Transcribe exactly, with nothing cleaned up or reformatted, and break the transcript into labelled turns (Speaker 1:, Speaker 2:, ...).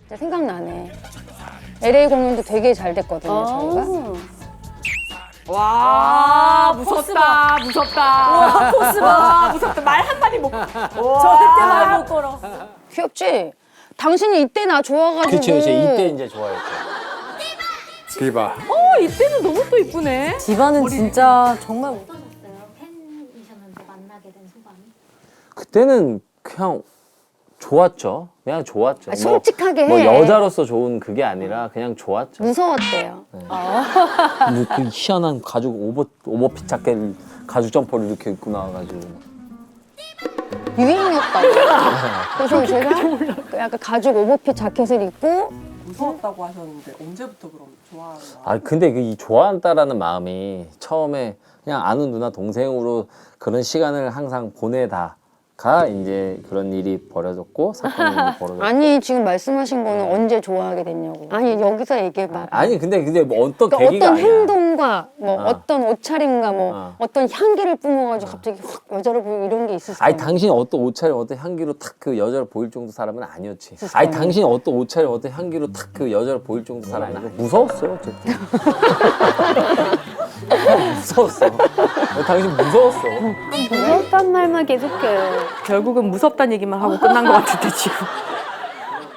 Speaker 1: 진짜 생각나네. 엘에이 공연도 되게 잘 됐거든요, 저희가.
Speaker 2: 와, 무섭다, 무섭다. 와, 포스 봐. 무섭다. 말 한마디 못. 절대 말 못 걸어.
Speaker 1: 귀엽지? 당신이 이때 나 좋아가지고.
Speaker 3: 그치, 그치. 이때 이제 좋아했죠.
Speaker 4: 디바.
Speaker 2: 어, 이때는 너무 또 이쁘네.
Speaker 5: 디바는 진짜 정말
Speaker 6: 어떠셨어요? 팬이셨는데 만나게 된 소감이?
Speaker 3: 그때는 그냥 좋았죠. 그냥 좋았죠.
Speaker 1: 아, 솔직하게
Speaker 3: 뭐,
Speaker 1: 해.
Speaker 3: 뭐 여자로서 좋은 그게 아니라 그냥 좋았죠.
Speaker 1: 무서웠대요.
Speaker 3: 근데 그 희한한 가죽 오버 오버핏 자켓 가죽 점퍼를 이렇게 입고 나와가지고
Speaker 1: 유행이었다고. 그래서 제가 그 약간 가죽 오버핏 자켓을 입고
Speaker 7: 무서웠다고 하셨는데 언제부터 그럼 좋아하는 거야?
Speaker 3: 아 근데 그 이 좋아한다라는 마음이 처음에 그냥 아는 누나 동생으로 그런 시간을 항상 보내다가 이제 그런 일이 벌어졌고 사건이 벌어졌고
Speaker 1: 아니 지금 말씀하신 거는 언제 좋아하게 됐냐고. 아니 여기서 얘기해봐.
Speaker 3: 아니 근데 근데 뭐 어떤
Speaker 1: 그러니까
Speaker 3: 계기가
Speaker 1: 어떤
Speaker 3: 아니야.
Speaker 1: 행동과 뭐
Speaker 3: 어.
Speaker 1: 어. 떤 옷차림과 뭐
Speaker 3: 어.
Speaker 1: 어. 떤 향기를 뿜어가지고 갑자기 확 여자로 보이고 이런 게 있을 수
Speaker 3: 아니
Speaker 1: 있어요.
Speaker 3: 당신이 어떤 옷차림 어떤 향기로 탁 그 여자로 보일 정도 사람은 아니었지. 아니 당신이 어떤 옷차림 어떤 향기로 탁 그 여자로 보일 정도 사람은 아니고 무서웠어요 어쨌든. 무서웠어. 당신 무서웠어.
Speaker 5: 무섭단 말만 계속해.
Speaker 2: 결국은 무섭다는 얘기만 하고 끝난 것 같은데, 지금.